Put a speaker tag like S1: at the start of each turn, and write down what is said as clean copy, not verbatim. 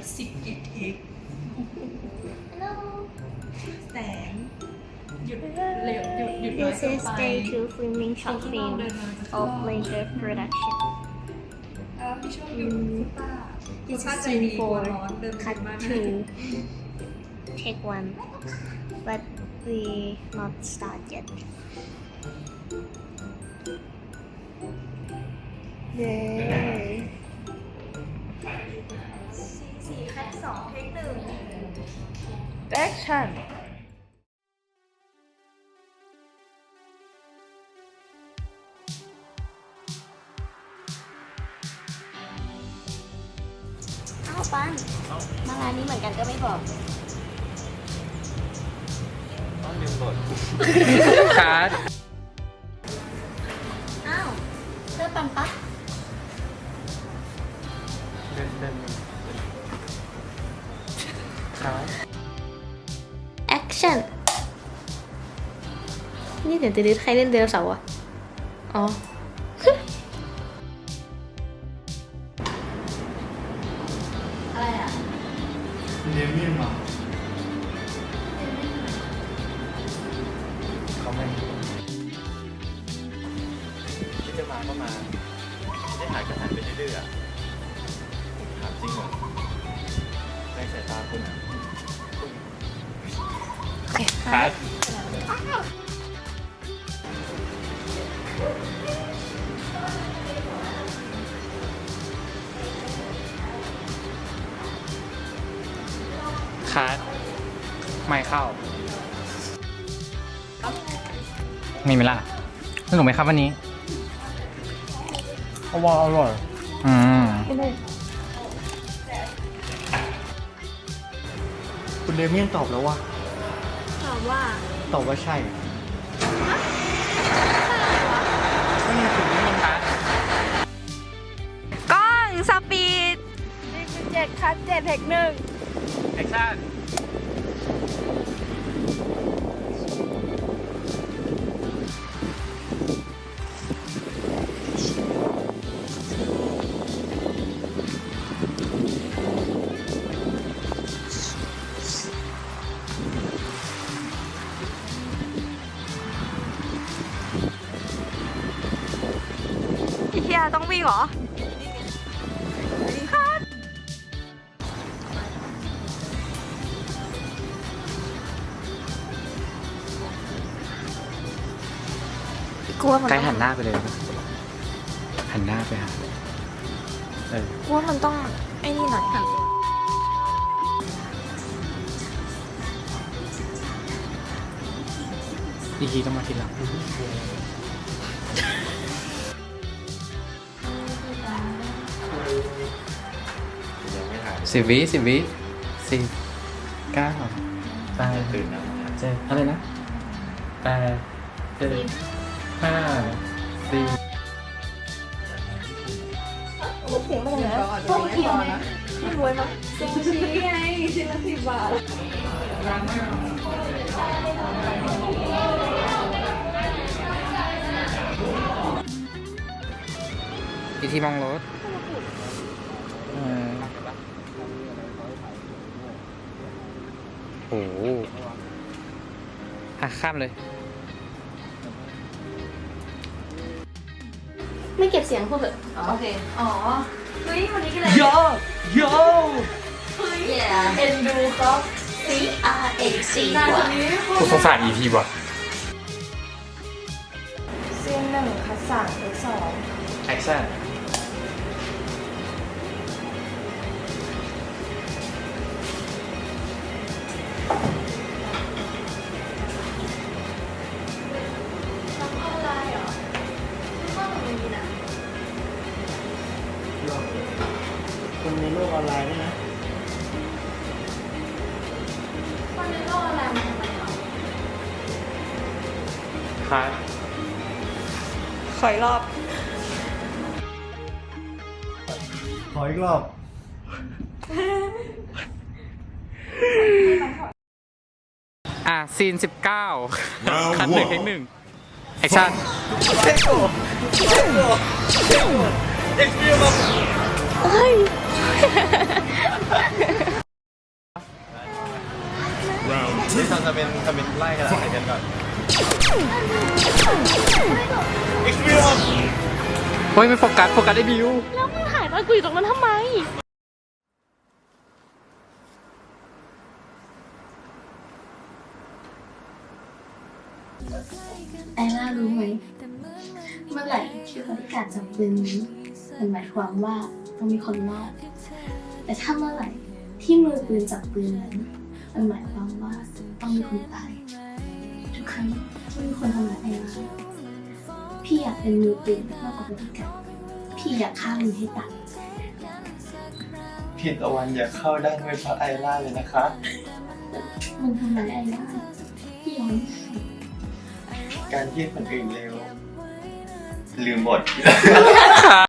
S1: 11 เทคแสงหยุดเร็วหยุดน้อย
S2: This
S1: เกิน
S2: is
S1: ไป
S2: day 2 filming
S1: ฉาก
S2: short
S1: ที่น้อง
S2: film
S1: เดินมาจะ
S2: of later production.
S1: พี่ช่วงหยุดฟุตป้า
S2: This
S1: ป้า
S2: is
S1: ใจดี
S2: scene
S1: กลัว
S2: 4,
S1: ร้อนเดิน
S2: cut
S1: มาก
S2: 2, take 1. But we not start yet. Yay.
S1: 4 คัด 2 เทค 1
S3: Action
S2: อ้าวปันมาร้านนี้เหมือนกันก็ไม่บอก
S4: ต้องลืมบท
S3: คัด
S2: อ้าวเสื้อปันปะ
S4: เดิน
S3: คัด
S2: Action นี่เดี๋ยวจะดื้อใครเล่นเดโนเสาร์อ่ะ อ๋อ อะไรอ่ะ
S4: เดเมียนมาเขาไม่ที่จะมาก็มาที่จะหายก็หายไปเรื่อยๆอะถามจริงเหรอในสายตาคุณอะ
S2: โอเค
S4: คัดคัดไม่เข้ามีไหมล่ะสนุกไหมครับวันนี้ว้าวอร่อยคุณเดเมียนตอบแล้วว่า
S2: ถามว่า
S4: ตอบว่าใช่ก็มีถึงนี่มันคัด
S3: กล้องสปีด1.7คัด7เทค1
S4: แอคชั่น
S3: เฮียต้องวิ่งเหรอ
S2: กลัวมัน
S4: ใกล้หันหน้าไปเลยหันหน้าไปหา
S2: กลัวมันต้องไอ้นี่หน่อยค่ะ
S4: อีกทีต้องมาทีหลัง10 วิ10 10 9 8ตื่นนะ7อะไรนะ8 7 5 4
S2: เสียงมาจากไหนพวกเขียวนะไม่รวยมั้ย
S1: ซูชิไงชิ้นละ10 บาท
S4: อีกทีมองรถโอ้โหข้ามเลย
S2: ไม่เก็บเสียงพวกเหอะ
S1: โอเค อ๋อ เฮ้ย วันนี้ก็เลย
S4: โยโย
S1: เฮ้ย
S2: Yeah
S1: เอ็นดูก็
S2: CRAC
S1: นาน
S2: ก
S1: ก
S2: ว่า
S1: ว่านี้ไม่พู
S4: กู
S1: ด
S4: สงสาร EP ว่ะ
S3: เซียน1คัด3เทค2
S4: แอคชั่น
S5: คนในโลกออนไลน์ด้วยนะ
S1: คนในโลกออนไลน์มันทำไมเหรอ
S4: คัด
S3: ขออีกรอบ
S5: ขออีกรอบ
S4: ซีน 19 คัด1 เทค 1 แอคชั่น
S2: เฮ้ย
S4: จะเป็นไล่กันอะไรกันก่อนเฮ้ยไม่โฟกัสได้บิว
S2: แล้วมึงถ่ายตอนกูอยู่ตรงนั้นทำไมไอล่ารู้ไหมเมื่อไหร่ที่บริการจับปืนนี้มันหมายความว่าต้องมีคนรอดแต่ถ้าเมื่อไหร่ที่มือปืนจับปืนนั้นมันหมายความว่าต้องมีคนตายทุกครั้งที่มีคนทำร้ายไอล่าพี่อยากเป็นมือปืนมากกว่าบริการพี่อยากฆ่ามันให้ตาย
S4: พี่ตะวันอย่าเข้าได้ด้วยเพราะไอล่าเลยนะคะ
S2: มันทำร้ายไอล่าพี่ยอม
S4: การที่คนอื่นเร็วลืมบท